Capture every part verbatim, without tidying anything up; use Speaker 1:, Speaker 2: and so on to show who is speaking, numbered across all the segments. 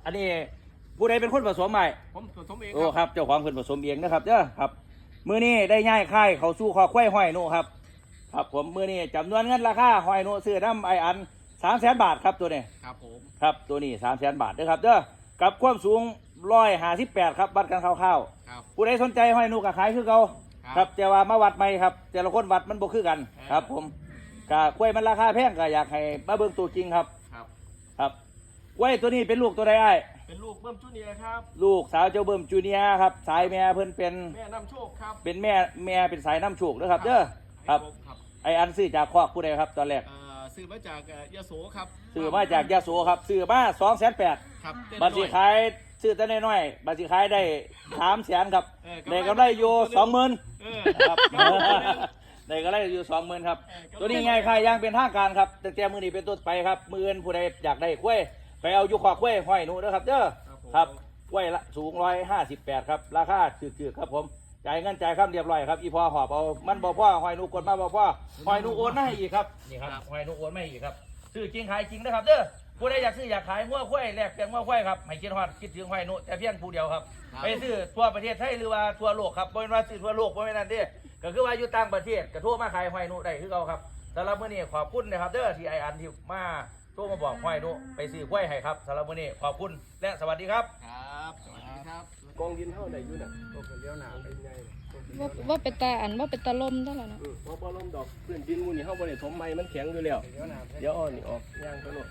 Speaker 1: อันนี้ผู้ใดเป็นคนผสมใหม่
Speaker 2: ผมผสมเอง
Speaker 1: โอ้ครับเจ้าของเพิ่นผสมเองนะครับเด้อครับมื้อนี้ได้ย้ายค่ายเขาสู่คอควายห้อยโนครับครับผมมื้อนี้จำนวนเงินราคาห้อยโนซื้อน้ำไออันสามแสนบาทครับตัวนี้
Speaker 2: ครับผม
Speaker 1: ครับตัวนี้สามแสนบาทเด้อครับเด้อกับความสูงร้อยห้าสิบแปดครับวัดกันคร่าวๆผู้ใดสนใจห้อยโนก็ขายคือเก่าครับแต่ว่ามาวัดใหม่ครับแต่ละคนวัดมันบ่คือกันครับผมกะกล้วยมันราคาแพงก็อยากให้มาเบิ่งตัวจริงครับ
Speaker 2: ครับ
Speaker 1: ครับกล้วยตัวนี้เป็นลูกตัวใดอ้าย
Speaker 2: เป็นลูกเบิ้มจูเนียร์ครับ
Speaker 1: ลูกสาวเจ้าเบิ่มจูเนียร์ครับสายแม่เพิ่นเป็น
Speaker 2: แม่น้ำโชคครับ
Speaker 1: เป็นแม่แม่เป็นสายน้ำโชคนะครับเด้อครับไออันซื้อจากคอกผู้ใดครับตอนแรก
Speaker 2: ซื้อมาจากยโสครับ
Speaker 1: ซื้อมาจากยโสครับซื้อมาสองแสนแปด
Speaker 2: ครับ
Speaker 1: บัตรสีขายซื้อแต่น้อยๆบัตรสีขายได้สามแสนครับได้กำไรอยู่สองหมื่นครับได้กำไรอยู่สองหมื่นครับตัวนี้ไงใครยังเป็นทางการครับตั้งแต่มือนี้เป็นต้นไปครับมืออื่นผู้ใดอยากได้กล้วยไปเอาอยู่ขอกล้วยห้อยหนูนะครับเด้อครับกล้วยละสูงร้อยห้าสิบแปดครับราคาถือๆครับผมจ่ายเงินจ่ายคำเรียบร้อยครับอีพอหอบเอามันบ่พ่อหอยนูกดมาบ่พ่อหอยนูโอนมาให้อีกครับนี่ครับหอยนูโอนมาให้อีกครับซื้อจริงขายจริงนะครับเด้อผู้ใดอยากซื้ออยากขายงัวควายแลกเปลี่ยนงัวควายครับให้คิดฮอดคิดถึงหอยนูแต่เพียงผู้เดียวครับไปซื้อทั่วประเทศไทยหรือว่าทั่วโลกครับบ่แม่นว่าซื้อทั่วโลกบ่แม่นนั่นเด้ก็คือว่าอยู่ต่างประเทศก็โทรมาขายหอยนูได้คือเก่าครับสำหรับมื้อนี้ขอบคุณนะครับเด้อที่ไออันที่มาโทรมาบอกหอยนูไปซื้อควายให้ครับสำหรับมื้อนี้ขอบคุณและสวัสดีครับ
Speaker 2: ครับสวัสดีครับ
Speaker 3: กองดินเท่าไหร่อยู่น่ะก็เลี้ยวหนาเป็นไง
Speaker 4: ว่าว่าเป็นตาอันว่าเป็นตาลมได้แล้วเนาะ
Speaker 3: ว่าพอลมดอกพื้นดินมูนี่เฮาบ่ได้ถมใหม่มันแข็งอยู่แล้วเดี๋ยวอ่อนนี่ออกย่างไปโลด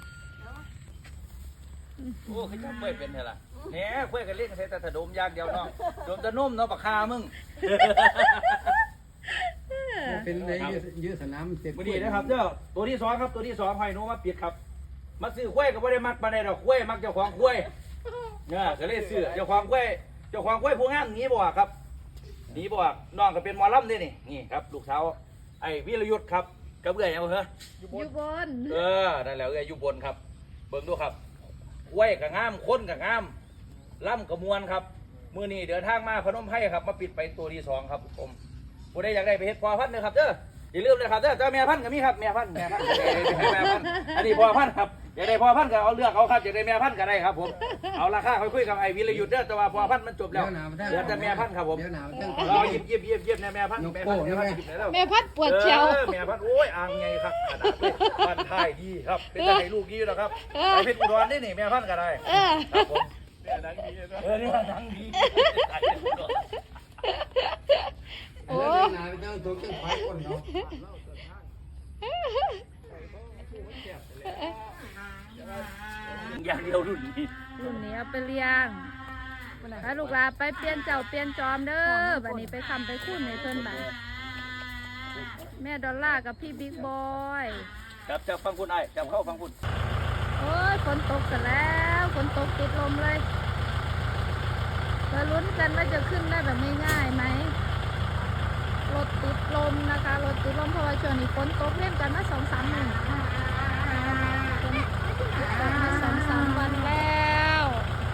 Speaker 1: โอ้ขยับกล้วยเป็นเท่าล่ะแหน่กล้วยกันเล่นกันใส่แต่ถดมอย่างเดียวเนาะโดมจะนุ่มเนาะปากคามึง
Speaker 5: เป็นเลยยืดสนามเต็ม
Speaker 1: ดีนะครับเจ้าตัวที่สองครับตัวที่สองหอยนูมาปิดครับมาซื้อกล้วยก็ไม่ได้มักมาได้ดอกกล้วยมักเจ้าของกล้วยเนี่ยก็เลยซื้อเจ้าของกล้วยเจ้าของกล้วยผู้งามหนีบ่ครับหนีบ่น้องก็เป็นหมอลำนี่นี่นี่ครับลูกสาวไอ้วิรยุทธ์ครับกับเอื้อยเอาเหรอ
Speaker 4: อยู่บน
Speaker 1: เออนั่นแหละเอื้อยอยู่บนครับเบิ่งดูครับกล้วยกับงามคนกับงามล่ำกับมวลครับมื้อนี้เดินทางมาพนมไพรครับมาปิดไปตัวที่สองครับผมผู้ใดอยากได้ไปเฮ็ดพอพันธุ์นะครับเด้ออย่าลืมเลยครับเด้อเจ้าแม่พันธุ์ก็มีครับแม่พันธุ์แม่พันธุ์แม่พันธุ์อันนี้พอพันธุ์ครับอยากได้พอพันธุ์ก็เอาเลือกเอาครับอยากได้แม่พันธุ์ก็ได้ครับผมเอาราคาค่อยคุยกับไอ้วิรยุทธ์เด้อแต่ว่าพอพันธุ์มันจบแล้วเหลือแต่แม่พันธุ์ครับผมเราหยิบหยิบหยิบหยิบแม่พันธุ์แม่พันธุ์แม่พันธุ์หยิบแล้ว
Speaker 4: แม่พัดปวดเชียว
Speaker 1: แม่พันธุ์โอ้ยอ่างไงครับขนาดเลยพันธุ์ไทยดีครับเป็นไงลูกดีแล้วครับไอ้เพชรอุดรนี่นี่แม่พันธุ์ก็ได้ครับผมเนี่ยดังดีเออเนี่ยดังดี
Speaker 5: โอ้ยนาเจ้าตัวเจ้าไฟคนเนาะ
Speaker 1: อย่างเดียวรุ่นนี้
Speaker 4: รุ่นนี้เอาไปเลี้ยงถ้าลูกหลานไปเปลี่ยนเจ้าเปลี่ยนจอมเด้อบัดนี้ไปคำไปคุ้นในเพิ่นบัดแม่ดอลล่ากับพี่บิ๊กบอย
Speaker 1: จับจับฟังคุณไอ้จับเข้าฟังคุณ
Speaker 4: โอ้ยฝนตกกันแล้วฝนตกติดลมเลยมาลุ้นกันว่าจะขึ้นได้แบบง่ายๆไหมรถติดลมนะคะรถติดลมเพราะว่าช่วงนี้ฝนตกเล่นกันมาสองสามหนึ่งฝนตกมาสองสามวันแล้ว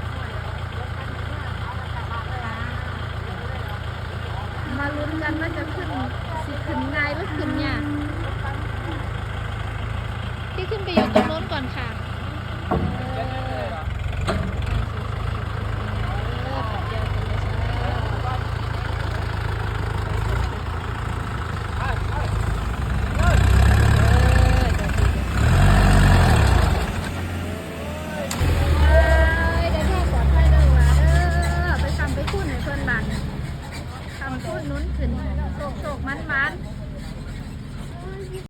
Speaker 4: มาลุ้นกันว่าจะขึ้นสิขึ้นง่ายหรือขึ้นยากที่ขึ้นไปอยู่ตรงโน้นก่อนค่ะไปคุ้นนุ้นขึ้นโศกโศกมันมัน